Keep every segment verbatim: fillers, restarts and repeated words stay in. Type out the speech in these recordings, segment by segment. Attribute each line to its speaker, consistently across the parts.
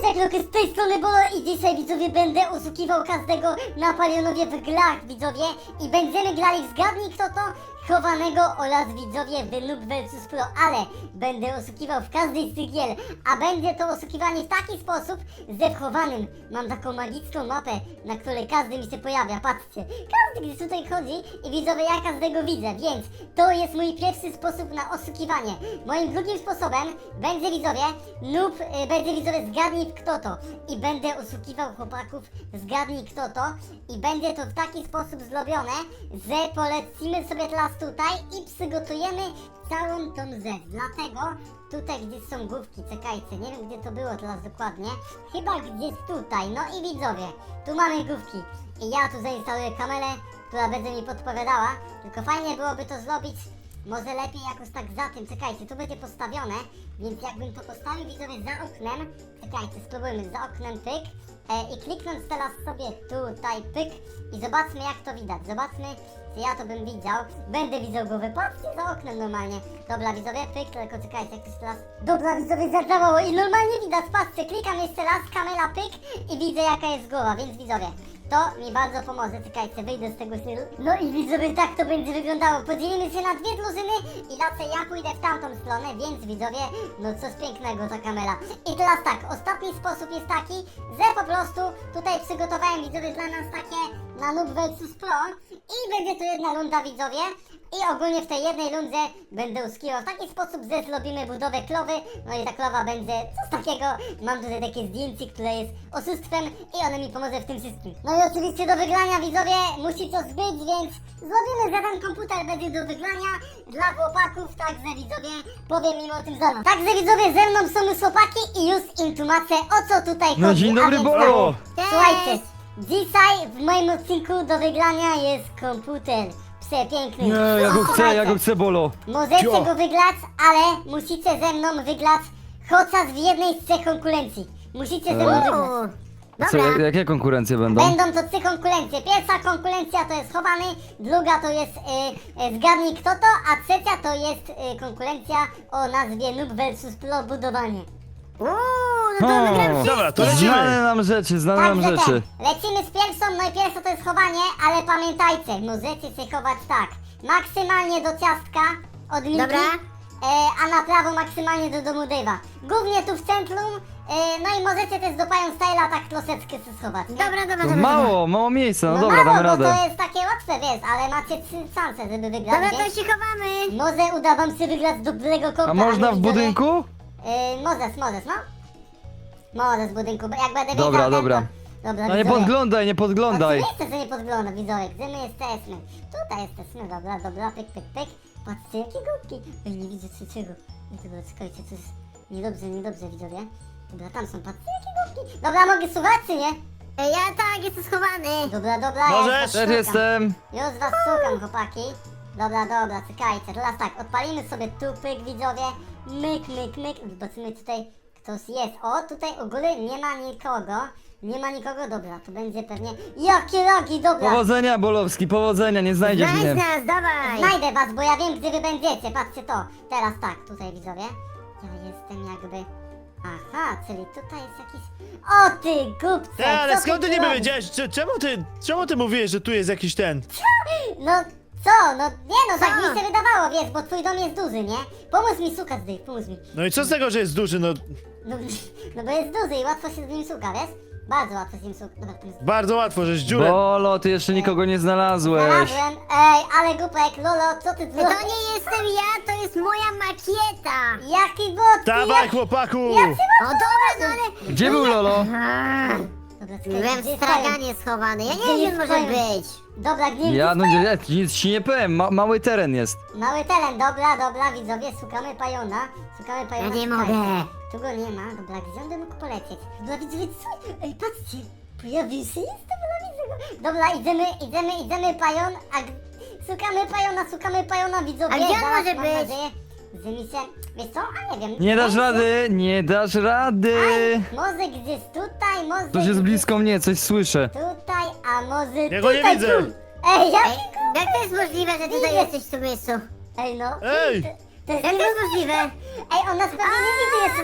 Speaker 1: Cześć, Luke, z tej strony Bolo i dzisiaj, widzowie, będę oszukiwał każdego na Palionowie w grach, widzowie. I będziemy grali w Zgadnij Kto To, Chowanego oraz, widzowie, w Noob versus. Pro. Ale będę oszukiwał w każdej z tych gier, a będzie to oszukiwanie w taki sposób, że w Chowanym mam taką magiczną mapę, na której każdy mi się pojawia, patrzcie. Każdy gdzieś tutaj chodzi i, widzowie, ja każdego widzę, więc to jest mój pierwszy sposób na oszukiwanie. Moim drugim sposobem będzie, widzowie, Noob, y, będzie, widzowie, Zgadnij Kto To. I będę oszukiwał chłopaków, Zgadnij Kto To. I będzie to w taki sposób zrobione, że polecimy sobie teraz tutaj i przygotujemy całą tą rzecz. Dlatego tutaj gdzieś są główki, czekajcie, nie wiem gdzie to było teraz dokładnie. Chyba gdzieś tutaj, no i widzowie, tu mamy główki. I ja tu zainstaluję kamerę, która będzie mi podpowiadała. Tylko fajnie byłoby to zrobić może lepiej jakoś tak za tym, czekajcie, tu będzie postawione, więc jakbym to postawił, widzowie, za oknem, czekajcie, spróbujmy, za oknem pyk, e, i kliknąć teraz sobie tutaj pyk i zobaczmy jak to widać, zobaczmy, czy ja to bym widział, będę widział głowę, patrzcie, za oknem normalnie, dobra widzowie, pyk, tylko czekajcie, jak to jest teraz, dobra widzowie, zadziałało i normalnie widać, patrzcie, klikam jeszcze raz, kamera pyk i widzę jaka jest głowa, więc widzowie, to mi bardzo pomoże, czekajcie, wyjdę z tego stylu. No i widzowie, tak to będzie wyglądało. Podzielimy się na dwie drużyny i raczej ja pójdę w tamtą stronę, więc widzowie, no coś pięknego ta kamera. I teraz tak, ostatni sposób jest taki, że po prostu tutaj przygotowałem, widzowie, dla nas takie na Noob versus. Pro i będzie to jedna runda, widzowie. I ogólnie w tej jednej rundzie będę uskiwał w taki sposób, że zrobimy budowę klowy. No i ta klowa będzie coś takiego. Mam tutaj takie zdjęcie, które jest oszustwem i ono mi pomoże w tym wszystkim. No i oczywiście do wygrania, widzowie, musi coś być, więc zrobimy, że ten komputer będzie do wygrania dla chłopaków, także widzowie, powiem im o tym zaraz. Także widzowie, ze mną są już chłopaki i już im tłumaczę, o co tutaj chodzi.
Speaker 2: No dzień dobry,
Speaker 1: A więc
Speaker 2: Bolo!
Speaker 1: tak, słuchajcie, dzisiaj w moim odcinku do wygrania jest komputer. Przepiękny.
Speaker 2: Nie, ja go chcę,
Speaker 1: Słuchajcie,
Speaker 2: ja go chcę, Bolo.
Speaker 1: możecie
Speaker 2: Cio.
Speaker 1: go wygrać, ale musicie ze mną wygrać chociaż w jednej z trzech konkurencji. Musicie ze mną
Speaker 2: Eee.
Speaker 1: wygrać.
Speaker 2: A co, jak, jakie konkurencje będą?
Speaker 1: Będą to trzy konkurencje. Pierwsza konkurencja to jest chowany, druga to jest y, y, Zgadnij Kto To, a trzecia to jest y, konkurencja o nazwie Noob versus. Pro budowanie.
Speaker 3: Uuu, no to
Speaker 2: O,
Speaker 3: wygram
Speaker 4: Dobra, to
Speaker 3: wszystkie.
Speaker 4: lecimy.
Speaker 2: Znane nam rzeczy, znane nam
Speaker 1: Także
Speaker 2: rzeczy.
Speaker 1: ten, lecimy z pierwszą, no i pierwsza to jest chowanie, ale pamiętajcie, możecie się chować tak, maksymalnie do ciastka od Miki,
Speaker 3: Dobra.
Speaker 1: e, a na prawo maksymalnie do domu Dave'a. Głównie tu w centrum, e, no i możecie też do Pająk Styla tak troszeczkę się schować. Nie?
Speaker 3: Dobra, dobra,
Speaker 2: To
Speaker 3: dobra.
Speaker 2: mało, mało miejsca, no
Speaker 1: No
Speaker 2: dobra,
Speaker 1: mało,
Speaker 2: damy
Speaker 1: bo
Speaker 2: radę.
Speaker 1: to jest takie łatwe, wiesz, ale macie trzy szanse, żeby wygrać,
Speaker 3: Dobra, to
Speaker 1: więc
Speaker 3: się chowamy.
Speaker 1: może uda wam się wygrać dobrego kompa.
Speaker 2: A można
Speaker 1: ale
Speaker 2: w
Speaker 1: widzowie-
Speaker 2: budynku?
Speaker 1: E, możesz, możesz, no. Możesz w budynku, bo jak będę wiedział,
Speaker 2: Dobra,
Speaker 1: ten,
Speaker 2: dobra.
Speaker 1: To... Dobra,
Speaker 2: No nie
Speaker 1: widzowie.
Speaker 2: podglądaj, nie podglądaj.
Speaker 1: Oczywiście, że nie podgląda, widzowie, gdzie my jesteśmy? Tutaj jesteśmy, dobra, dobra, pyk, pyk, pyk. Patrzcie, jakie głupki. Ej, nie widzę trzeciego. Nie, dobra, czekajcie, coś niedobrze, niedobrze, widzowie. Dobra, tam są, patrzcie, jakie głupki. Dobra, mogę słuchać, czy nie?
Speaker 3: Ej, Ja tak, jestem schowany.
Speaker 1: Dobra, dobra,
Speaker 4: Możesz.
Speaker 1: ja was
Speaker 2: Też
Speaker 1: szukam.
Speaker 2: jestem.
Speaker 1: Już was szukam, chłopaki. Dobra, dobra, czekajcie, teraz tak, odpalimy sobie tu pyk, widzowie. Myk, myk, myk. Zobaczymy tutaj, ktoś jest. O, tutaj u góry nie ma nikogo. Nie ma nikogo, dobra, to będzie pewnie... Jakie rogi, dobra.
Speaker 2: Powodzenia, Bolowski, powodzenia, nie znajdziesz
Speaker 3: Znajdź
Speaker 2: mnie.
Speaker 3: nas, dawaj.
Speaker 1: Znajdę was, bo ja wiem, gdzie wy będziecie, patrzcie to. Teraz tak, tutaj widzowie. Ja jestem jakby... Aha, czyli tutaj jest jakiś... O ty głupcze!
Speaker 4: Te, ale
Speaker 1: co
Speaker 4: skąd ty
Speaker 1: tu
Speaker 4: niby
Speaker 1: robisz?
Speaker 4: wiedziałeś? Cze- Czemu ty, czemu ty mówiłeś, że tu jest jakiś ten?
Speaker 1: No co? No nie no, tak
Speaker 3: Co?
Speaker 1: mi się wydawało, wiesz, bo twój dom jest duży, nie? Pomóż mi szukać, Dave, pomóż mi.
Speaker 4: No i co z tego, że jest duży? No
Speaker 1: No, no bo jest duży i łatwo się z nim szuka, wiesz? Bardzo łatwo z nim szuka. Dobra, to jest...
Speaker 4: bardzo łatwo, żeś dziurę.
Speaker 2: Bolo, ty jeszcze nikogo nie znalazłeś.
Speaker 1: Znalazłem. Ej, ale głupek, Lolo, co ty
Speaker 3: To
Speaker 1: zrobiłeś?
Speaker 3: nie jestem ja, to jest moja makieta.
Speaker 1: Jaki bot?
Speaker 4: Dawaj,
Speaker 1: jak...
Speaker 4: chłopaku!
Speaker 1: Jak
Speaker 3: O dobra, no ale...
Speaker 2: Gdzie był Lolo?
Speaker 3: A,
Speaker 1: Dobra, czekaj,
Speaker 3: Byłem
Speaker 1: gdzie
Speaker 3: w
Speaker 1: jest
Speaker 3: straganie schowany, ja
Speaker 1: Gdzie
Speaker 3: nie wiem,
Speaker 1: jest
Speaker 3: może
Speaker 1: pająk?
Speaker 3: być.
Speaker 1: Dobra, gdzie
Speaker 2: Ja,
Speaker 1: jest
Speaker 2: no nie, nic ci nie powiem, ma, mały teren jest.
Speaker 1: Mały teren, dobra, dobra, widzowie, szukamy pajona. Szukamy
Speaker 3: Ja
Speaker 1: pajona.
Speaker 3: nie
Speaker 1: szukajcie.
Speaker 3: mogę.
Speaker 1: Tu go nie ma, dobra, gdzie on by mógł polecieć? Dobra, widzowie, co? Ej, patrzcie, pojawił się, jest, dobra, widzę go. Dobra, idziemy, idziemy, idziemy, pajon, a... g- Szukamy pajona, szukamy pajona, widzowie.
Speaker 3: A gdzie on
Speaker 1: zaraz,
Speaker 3: może
Speaker 1: mam
Speaker 3: być?
Speaker 1: nadzieję, że mi się... Wiesz co? A nie wiem.
Speaker 2: Nie dasz
Speaker 1: Może-
Speaker 2: rady, nie dasz rady.
Speaker 1: Aj, może gdzieś tutaj, może
Speaker 2: Ktoś jest
Speaker 1: gdzieś
Speaker 2: blisko mnie, coś słyszę.
Speaker 1: Tutaj, a może
Speaker 4: Ja go nie
Speaker 1: tutaj,
Speaker 4: widzę.
Speaker 1: tu. Ej, jaki
Speaker 3: Ej,
Speaker 1: głupek.
Speaker 3: jak to jest możliwe, że tutaj
Speaker 1: Widzę.
Speaker 3: jesteś w tym miejscu?
Speaker 1: Ej, no.
Speaker 4: Ej!
Speaker 1: To, to jest
Speaker 3: Jak to jest
Speaker 1: niemożliwe.
Speaker 3: możliwe?
Speaker 1: Ej, on nas pewnie nie widzi jeszcze ten...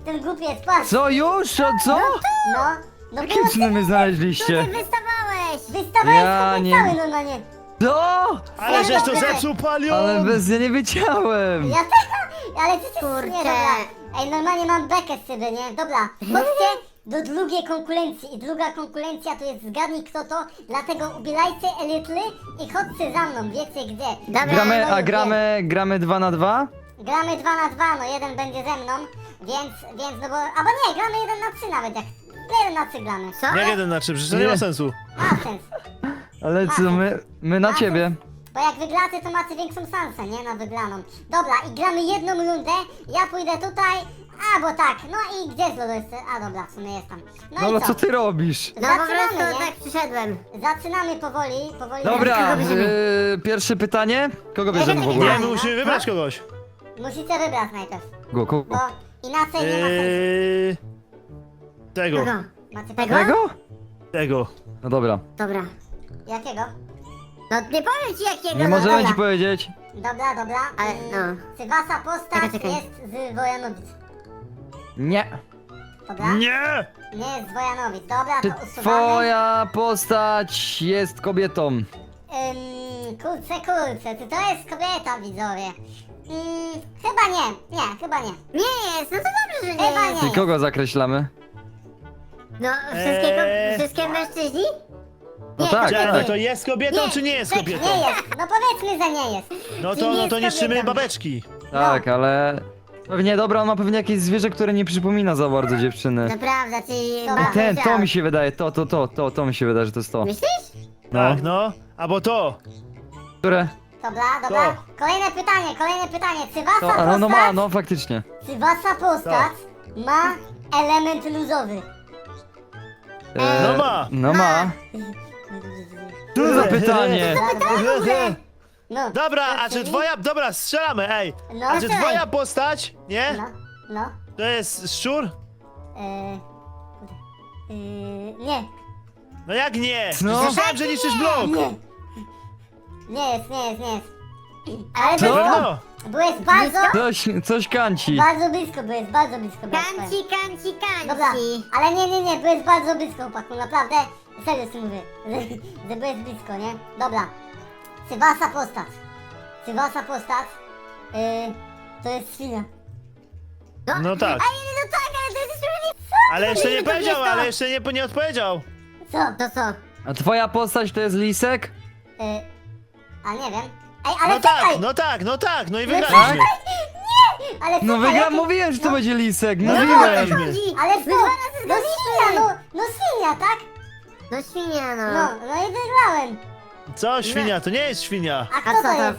Speaker 1: ten głupiec, patrz.
Speaker 2: Co już? Co? co?
Speaker 1: No, no
Speaker 2: Jakie
Speaker 1: było
Speaker 2: cudy mnie
Speaker 3: Tu
Speaker 2: znaleźliście?
Speaker 3: ty wystawałeś!
Speaker 1: wystawałeś
Speaker 2: Ja
Speaker 1: sobie
Speaker 2: nie-
Speaker 1: cały normalnie.
Speaker 2: Co?
Speaker 4: Ale żeś to
Speaker 1: Dobra.
Speaker 4: zepsuł, Palion!
Speaker 2: Ale bez ja nie wiedziałem.
Speaker 1: Ja też, ale ty się
Speaker 3: Kurczę.
Speaker 1: nie, dobra. Ej, normalnie mam bekę z ciebie, nie? Dobra, chodźcie do drugiej konkurencji i druga konkurencja to jest zgadnij kto to, dlatego ubierajcie elitry i chodźcie za mną, wiecie gdzie.
Speaker 3: Dobra.
Speaker 2: Gramy,
Speaker 1: No
Speaker 2: a
Speaker 1: już
Speaker 2: gramy, gramy dwa na dwa?
Speaker 1: wiem. Gramy dwa na dwa, no jeden będzie ze mną, więc, więc no bo, albo nie, gramy jeden na trzy nawet, jak jeden na trzy gramy.
Speaker 3: Co?
Speaker 4: Jak jeden na trzy, przecież to nie
Speaker 2: Nie.
Speaker 4: ma sensu.
Speaker 1: Ma sens,
Speaker 2: Ale co, my, my na
Speaker 1: Ma
Speaker 2: ciebie.
Speaker 1: sens. Bo jak wygracie, to macie większą szansę, nie? Na wygraną. Dobra, i gramy jedną rundę, ja pójdę tutaj, a bo tak, no i gdzie jest Lodo jeszcze? A dobra, w sumie jest tam. No,
Speaker 2: No
Speaker 1: i
Speaker 2: ale
Speaker 1: co?
Speaker 2: co ty robisz?
Speaker 3: No po
Speaker 1: Zaczynamy,
Speaker 3: prostu
Speaker 1: nie?
Speaker 3: tak przyszedłem.
Speaker 1: Zaczynamy powoli, powoli.
Speaker 2: Dobra,
Speaker 3: bierzemy?
Speaker 2: yy, pierwsze pytanie. Kogo bierzemy w
Speaker 3: Nie,
Speaker 2: ogóle?
Speaker 4: Nie, my musimy wybrać kogoś.
Speaker 1: Musicie wybrać najpierw,
Speaker 2: Go, kogo?
Speaker 1: bo inaczej nie ma sensu.
Speaker 4: Eee... Tego,
Speaker 3: Kogo?
Speaker 1: Macie
Speaker 3: Tego?
Speaker 1: tego?
Speaker 2: Tego?
Speaker 4: tego.
Speaker 2: No dobra.
Speaker 3: Dobra.
Speaker 1: Jakiego?
Speaker 3: No nie powiem ci jakiego.
Speaker 2: Nie
Speaker 3: no,
Speaker 2: możemy
Speaker 1: dobra.
Speaker 2: ci powiedzieć.
Speaker 1: Dobra, dobra.
Speaker 3: Ale,
Speaker 1: mm,
Speaker 3: no.
Speaker 1: Czy wasza postać
Speaker 3: Czekaj, czekaj.
Speaker 1: jest z Wojanowic?
Speaker 2: Nie.
Speaker 1: Dobra?
Speaker 4: Nie!
Speaker 1: Nie jest z Wojanowic, dobra,
Speaker 2: Czy
Speaker 1: to usuwamy.
Speaker 2: twoja postać jest kobietą?
Speaker 1: Ym, kurczę, kurczę, czy to jest kobieta, widzowie? Ym, chyba nie, nie, chyba nie.
Speaker 3: Nie jest, no to dobrze, że nie
Speaker 1: Chyba
Speaker 3: jest.
Speaker 1: nie.
Speaker 2: I kogo zakreślamy?
Speaker 3: No wszystkiego,
Speaker 4: Eee.
Speaker 3: wszystkie mężczyźni?
Speaker 2: No
Speaker 3: Nie,
Speaker 2: tak,
Speaker 3: kobiety.
Speaker 4: Czekaj,
Speaker 2: tak.
Speaker 4: to jest kobietą
Speaker 3: Nie,
Speaker 4: czy nie jest
Speaker 3: tak,
Speaker 4: kobietą?
Speaker 1: Nie jest, no powiedzmy, że nie jest.
Speaker 4: No
Speaker 3: Czy
Speaker 4: to,
Speaker 3: nie
Speaker 4: no to
Speaker 3: jest
Speaker 4: niszczymy
Speaker 3: kobietą?
Speaker 4: babeczki.
Speaker 2: Tak, ale... Pewnie, dobra, on ma pewnie jakieś zwierzę, które nie przypomina za bardzo dziewczyny.
Speaker 3: Naprawdę, czyli...
Speaker 1: Dobra.
Speaker 2: Ten, to mi się wydaje, to, to, to, to, to mi się wydaje, że to jest to.
Speaker 3: Myślisz?
Speaker 2: No.
Speaker 4: Tak, no. Albo to.
Speaker 2: Które?
Speaker 1: Dobra, dobra.
Speaker 4: To.
Speaker 1: Kolejne pytanie, kolejne pytanie. Czy wasza
Speaker 2: To, ale
Speaker 1: postać,
Speaker 2: no ma, no faktycznie.
Speaker 1: czy wasza postać ma element luzowy?
Speaker 2: E,
Speaker 4: No ma.
Speaker 2: No ma. Co za pytanie?
Speaker 1: No,
Speaker 4: Dobra, a czy
Speaker 1: czyli-
Speaker 4: twoja... Dobra, strzelamy, ej.
Speaker 1: No,
Speaker 4: A czy
Speaker 1: strzelaj.
Speaker 4: twoja postać, nie?
Speaker 1: No, no.
Speaker 4: To jest szczur?
Speaker 1: Eee, eee, nie,
Speaker 4: No jak nie?
Speaker 2: No.
Speaker 4: Słyszałem, że niszczysz blok.
Speaker 1: nie. Nie jest, nie jest, nie jest. Ale
Speaker 2: Co?
Speaker 1: blisko.
Speaker 4: Pewno.
Speaker 1: Byłeś bardzo,
Speaker 2: Coś, coś kanci.
Speaker 1: bardzo blisko, byłeś bardzo blisko. byłeś, powiem.
Speaker 3: Kanci, kanci, kanci.
Speaker 1: Dobra, ale nie, nie, nie, byłeś bardzo blisko, chłopaku, naprawdę. Serio ci mówię, że, że byłeś blisko, nie? Dobra. Czy wasza postać, czy wasza postać, yy, to jest świnia?
Speaker 4: No tak.
Speaker 3: No tak, ale to jest sprawiedliwe.
Speaker 4: Ale jeszcze nie
Speaker 3: to
Speaker 4: powiedział,
Speaker 3: jest to.
Speaker 4: ale jeszcze nie, nie odpowiedział.
Speaker 1: Co?
Speaker 3: To co?
Speaker 2: A twoja postać to jest lisek?
Speaker 1: Yy, a nie wiem. Ej, ale
Speaker 4: No
Speaker 1: czekaj!
Speaker 4: tak, no tak, no tak, no i
Speaker 1: No
Speaker 4: wygraliśmy.
Speaker 1: Ale
Speaker 2: No
Speaker 1: czekaj,
Speaker 2: wygra,
Speaker 1: jaki-
Speaker 2: mówiłem, że to
Speaker 1: no,
Speaker 2: będzie lisek,
Speaker 4: No
Speaker 2: mówiłem.
Speaker 4: wygraliśmy.
Speaker 1: Ale
Speaker 3: My
Speaker 1: co?
Speaker 3: dwa razy
Speaker 1: No
Speaker 3: zgadliśmy.
Speaker 1: świnia, no, no świnia, tak?
Speaker 3: No świnia, no.
Speaker 1: No, no i wygrałem.
Speaker 4: Co, świnia? To nie jest świnia.
Speaker 1: A kto
Speaker 3: A
Speaker 1: to
Speaker 3: co to?
Speaker 1: jest?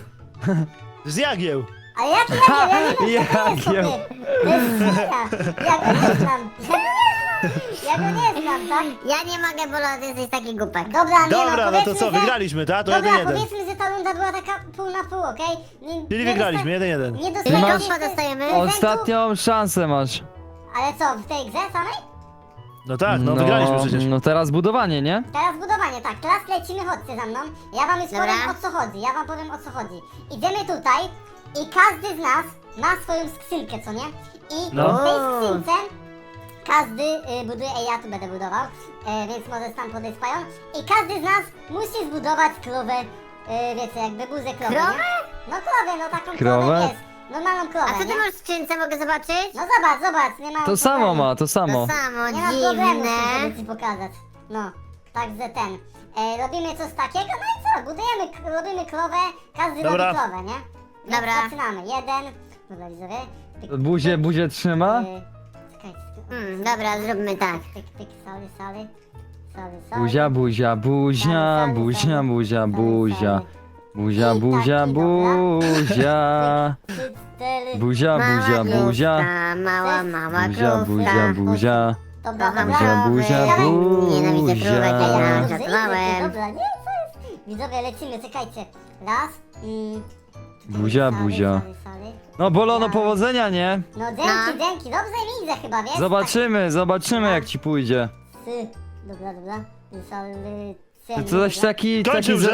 Speaker 4: Z jagieł.
Speaker 1: Ale jaki ja nie wiem, ja nie wiem, co to jest,
Speaker 2: Jagieł.
Speaker 1: chłopie. To jest świnia. Ja go nie znam. Ja go nie znam, tak?
Speaker 3: Ja nie mogę, bo ty jesteś taki głupek.
Speaker 1: Dobra, nie
Speaker 4: Dobra,
Speaker 1: no,
Speaker 4: no to
Speaker 1: powiedzmy,
Speaker 4: co,
Speaker 1: że-
Speaker 4: wygraliśmy, tak? To
Speaker 1: Dobra,
Speaker 4: jeden jeden.
Speaker 1: powiedzmy, że ta runda była taka pół na pół, okej? Nie-
Speaker 4: Czyli
Speaker 1: nie
Speaker 4: wygraliśmy,
Speaker 1: dosta-
Speaker 4: jeden jeden.
Speaker 1: Nie
Speaker 3: Czyli
Speaker 1: dostajemy
Speaker 2: masz-
Speaker 3: kompa dostajemy?
Speaker 1: prezentu.
Speaker 2: Ostatnią szansę masz.
Speaker 1: Ale co, w tej grze samej?
Speaker 4: No tak, no wygraliśmy przecież.
Speaker 2: No teraz budowanie, nie?
Speaker 1: Teraz budowanie, tak, teraz lecimy, chodźcie za mną. Ja wam już
Speaker 3: Dobra.
Speaker 1: powiem o co chodzi, ja wam powiem o co chodzi. Idziemy tutaj i każdy z nas ma swoją skrzynkę, co nie? I
Speaker 2: No.
Speaker 1: w tej skrzynce każdy y, buduje, ej ja tu będę budował, e, więc możesz tam podejść pają. I każdy z nas musi zbudować krowę, e, wiecie, jakby buzę krowy,
Speaker 3: Krowę?
Speaker 1: nie? No krowę, no taką krowę
Speaker 2: Krowę?
Speaker 1: jest. Normalną krowę,
Speaker 3: A co ty
Speaker 1: nie?
Speaker 3: masz w skrzynce, mogę zobaczyć?
Speaker 1: No zobacz, zobacz, nie ma
Speaker 2: To samo
Speaker 1: problemu.
Speaker 2: ma, to samo.
Speaker 3: To samo,
Speaker 1: Nie ma problemu,
Speaker 3: dziwne.
Speaker 1: żeby ci pokazać. No, także ten. E, robimy coś takiego, no i co? Budujemy, k- robimy krowę, każdy
Speaker 4: Dobra.
Speaker 1: robi krowę, nie? Więc
Speaker 3: Dobra.
Speaker 1: zaczynamy. Jeden. Dobra, widzowie. Pyk,
Speaker 2: Buzie,
Speaker 1: pyk,
Speaker 2: buzie trzyma?
Speaker 1: e, Czekajcie.
Speaker 3: Hmm, dobra, zróbmy tak.
Speaker 1: Pyk, pyk, sali, sali. Sali, sali.
Speaker 2: Buzia, buzia, buzia, buzia, buzia, buzia. Buzia,
Speaker 1: I
Speaker 2: buzia,
Speaker 1: taki, dobra.
Speaker 2: buzia.
Speaker 1: Trzy, cztery.
Speaker 2: Buzia, buzia,
Speaker 3: Mała
Speaker 2: buzia.
Speaker 3: krówka, mała, mała
Speaker 2: Buzia,
Speaker 3: krówka.
Speaker 2: buzia, buzia.
Speaker 1: Dobra,
Speaker 3: Kocham
Speaker 1: dobra.
Speaker 2: Buzia, buzia,
Speaker 3: krowy. Nienawidzę
Speaker 2: buzia.
Speaker 3: krówek, ja
Speaker 1: Dobra,
Speaker 3: nie żartowałem.
Speaker 1: Dobra, nie, co jest? Widzowie, lecimy, czekajcie. Raz. Mm,
Speaker 2: Buzia,
Speaker 1: sali,
Speaker 2: buzia.
Speaker 1: sali, sali.
Speaker 2: No Bolono, powodzenia, nie?
Speaker 1: No dzięki,
Speaker 3: No.
Speaker 1: dzięki, dobrze mi idzie chyba, wiesz?
Speaker 2: Zobaczymy, zobaczymy jak ci pójdzie.
Speaker 1: Tak, sy. Dobra, dobra. Sali,
Speaker 2: To coś taki... taki
Speaker 4: Kończył
Speaker 2: za-
Speaker 4: Rzek.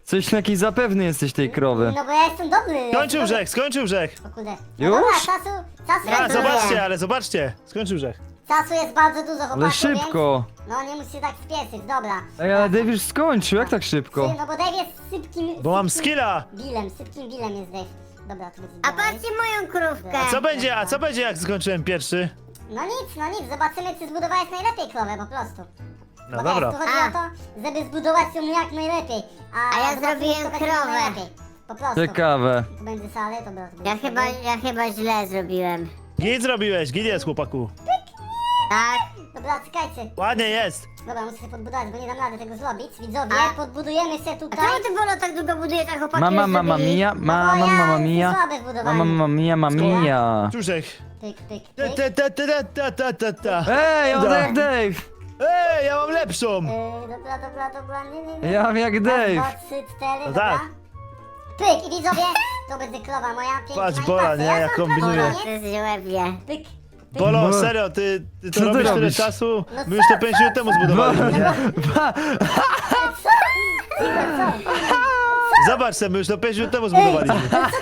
Speaker 2: Coś jakiś zapewny jesteś tej krowy.
Speaker 1: No bo ja jestem dobry.
Speaker 4: Skończył
Speaker 1: jestem
Speaker 4: Rzech, skończył Rzech.
Speaker 1: dobry. O kurde.
Speaker 2: Już?
Speaker 1: No dobra, czasu, czasu,
Speaker 4: A,
Speaker 1: jest,
Speaker 3: Gratuluję.
Speaker 4: zobaczcie, ale zobaczcie. Skończył Rzech.
Speaker 1: czasu jest bardzo dużo, chłopaku,
Speaker 2: Ale szybko.
Speaker 1: Więc, no nie musisz się tak spieszyć, dobra.
Speaker 2: Ej, ale Dave już skończył, jak tak szybko?
Speaker 1: No bo Dave jest sypkim...
Speaker 4: Bo mam
Speaker 1: sypkim
Speaker 4: skilla.
Speaker 1: Billem, sypkim Billem jest Dave. Dobra, to będzie
Speaker 3: A
Speaker 1: dalej.
Speaker 3: patrzcie moją krówkę.
Speaker 4: A co będzie, a co będzie jak skończyłem pierwszy?
Speaker 1: No nic, no nic, zobaczymy czy zbudowałeś najlepiej krowę po prostu.
Speaker 4: No
Speaker 1: Bo
Speaker 4: dobra.
Speaker 1: wiesz, tu chodzi
Speaker 3: A.
Speaker 1: o to, żeby zbudować ją jak najlepiej. A,
Speaker 3: A ja
Speaker 1: zobaczymy,
Speaker 3: zrobiłem
Speaker 1: kto będzie
Speaker 3: krowę.
Speaker 1: najlepiej. Po prostu.
Speaker 2: Ciekawe.
Speaker 1: Tu będzie salę, to dobra, to będzie
Speaker 3: Ja chyba,
Speaker 1: salę.
Speaker 3: ja chyba źle zrobiłem.
Speaker 4: Git zrobiłeś, git jest, chłopaku.
Speaker 3: Tak?
Speaker 1: Dobra, czekajcie.
Speaker 4: Ładnie jest.
Speaker 1: Dobra, muszę się podbudować, bo nie dam rady tego zrobić. Widzowie,
Speaker 3: A?
Speaker 1: podbudujemy się
Speaker 3: A
Speaker 1: tutaj.
Speaker 3: czemu ty Bolo tak długo budujesz, a chłopaki
Speaker 2: Mama,
Speaker 3: już
Speaker 2: mama
Speaker 3: zrobili?
Speaker 2: mia,
Speaker 1: No bo
Speaker 2: mama,
Speaker 1: ja
Speaker 2: mama
Speaker 1: jestem
Speaker 2: mia.
Speaker 1: słaby w budowaniu.
Speaker 2: Mama, mama mia, mama mia.
Speaker 4: Czuszek.
Speaker 1: Pyk, pyk,
Speaker 4: Ta,
Speaker 1: pyk.
Speaker 4: ta, ta, ta, ta, ta, ta, ta.
Speaker 2: Ej, on
Speaker 4: Da.
Speaker 2: jak Dave!
Speaker 4: Ej, ja mam lepszą.
Speaker 1: Yy, dobra, dobra, dobra, nie, nie, nie.
Speaker 2: Ja mam jak Dave.
Speaker 1: Raz, dwa, trzy, cztery,
Speaker 4: No
Speaker 1: dobra.
Speaker 4: tak.
Speaker 1: Pyk, i widzowie, to będzie krowa moja, piękna
Speaker 4: Patrz,
Speaker 1: i
Speaker 4: Bola,
Speaker 1: patrzę,
Speaker 4: nie,
Speaker 1: ja
Speaker 4: jak
Speaker 1: sam
Speaker 4: kombinuje.
Speaker 1: prawo,
Speaker 3: To
Speaker 1: nie?
Speaker 3: jest żłebie.
Speaker 1: Pyk, pyk.
Speaker 4: Bolo,
Speaker 2: Bo-
Speaker 4: serio, ty, ty to
Speaker 2: Co ty
Speaker 4: robisz tyle
Speaker 2: robisz?
Speaker 4: czasu?
Speaker 1: No
Speaker 4: My już to
Speaker 1: co,
Speaker 4: pięć minut temu zbudowaliśmy, nie? Zobacz se, my już to pięć minut temu zbudowaliśmy.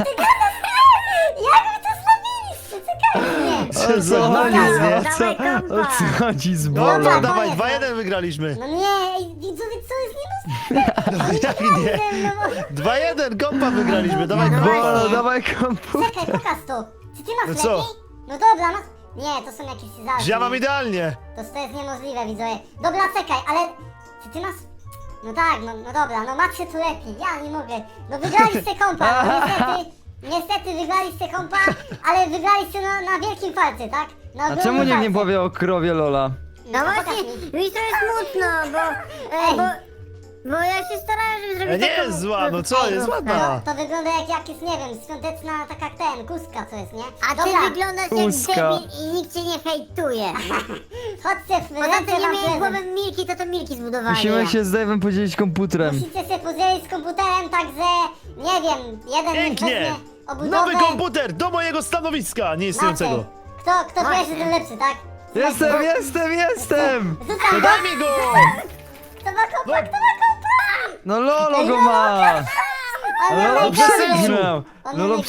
Speaker 1: Jak wy to zrobiliście? Czekajcie.
Speaker 2: O co
Speaker 4: Co?
Speaker 2: chodzi
Speaker 4: Nic,
Speaker 2: z
Speaker 4: nie?
Speaker 2: o co, o co chodzi z
Speaker 4: Dobra,
Speaker 2: bolą?
Speaker 1: Dobra.
Speaker 4: dawaj,
Speaker 1: koniec,
Speaker 4: dwa
Speaker 1: no.
Speaker 4: jeden wygraliśmy.
Speaker 1: No nie, ej, widzowie, co jest niemożliwe?
Speaker 4: No jak nie?
Speaker 1: No bo...
Speaker 4: dwa jeden, kompa wygraliśmy, dawaj
Speaker 1: No
Speaker 4: kompa.
Speaker 2: Bolo, dawaj komputer.
Speaker 1: Czekaj, pokaż to. Czy ty masz
Speaker 4: No co?
Speaker 1: lepiej? No dobra, masz... Nie, to są jakieś zaraz.
Speaker 4: Ja mam idealnie.
Speaker 1: To, to jest niemożliwe, widzowie. Dobra, czekaj, ale... Czy ty masz... No tak, no, no dobra, no macie tu lepiej, ja nie mogę. No wygraliście kompa, no niestety... Niestety wygraliście kompa, ale wygraliście na, na wielkim falce, tak? Na
Speaker 2: A
Speaker 1: ogromnym
Speaker 2: czemu nikt nie
Speaker 1: falce.
Speaker 2: powie o krowie Lola?
Speaker 3: No
Speaker 1: pokaż
Speaker 3: właśnie,
Speaker 1: mi.
Speaker 3: mi to jest smutno, bo,
Speaker 1: Ej.
Speaker 3: e, bo, bo ja się starałem, żeby
Speaker 4: E,
Speaker 3: zrobić
Speaker 4: Nie
Speaker 3: taką
Speaker 4: jest zła, no co,
Speaker 3: krówkę.
Speaker 4: jest
Speaker 1: To,
Speaker 4: ładna.
Speaker 1: to wygląda jak jakieś, nie wiem, świąteczna taka ten, kuska co jest, nie?
Speaker 3: A ty
Speaker 1: Dobra,
Speaker 3: wyglądasz
Speaker 2: Łuska.
Speaker 3: jak debil i nikt cię nie hejtuje.
Speaker 1: chodźcie w
Speaker 3: Poza
Speaker 1: ręce
Speaker 3: tym nie
Speaker 1: wam
Speaker 3: miałeś
Speaker 1: prezent.
Speaker 3: głowy Milki, to to Milki zbudowali.
Speaker 2: Musimy się z Dave'em podzielić komputerem.
Speaker 1: Musicie się podzielić z komputerem, także, nie wiem, jeden
Speaker 4: Pięknie.
Speaker 1: weźmie obudowę.
Speaker 4: Nowy komputer do mojego stanowiska nieistniejącego.
Speaker 1: Macie. Kto, kto
Speaker 3: Właśnie.
Speaker 1: pierwszy, ten lepszy, tak?
Speaker 2: Jestem, jestem, jestem!
Speaker 4: To
Speaker 1: Rzucam go!
Speaker 4: daj mi go!
Speaker 1: Kto ma kompa,
Speaker 4: No.
Speaker 1: kto ma kompa?
Speaker 2: No Lolo go ma!
Speaker 1: On
Speaker 2: Lolo
Speaker 1: ma najgorzej.
Speaker 2: przegrał!
Speaker 1: On ma
Speaker 2: Lolo
Speaker 1: najgorzej.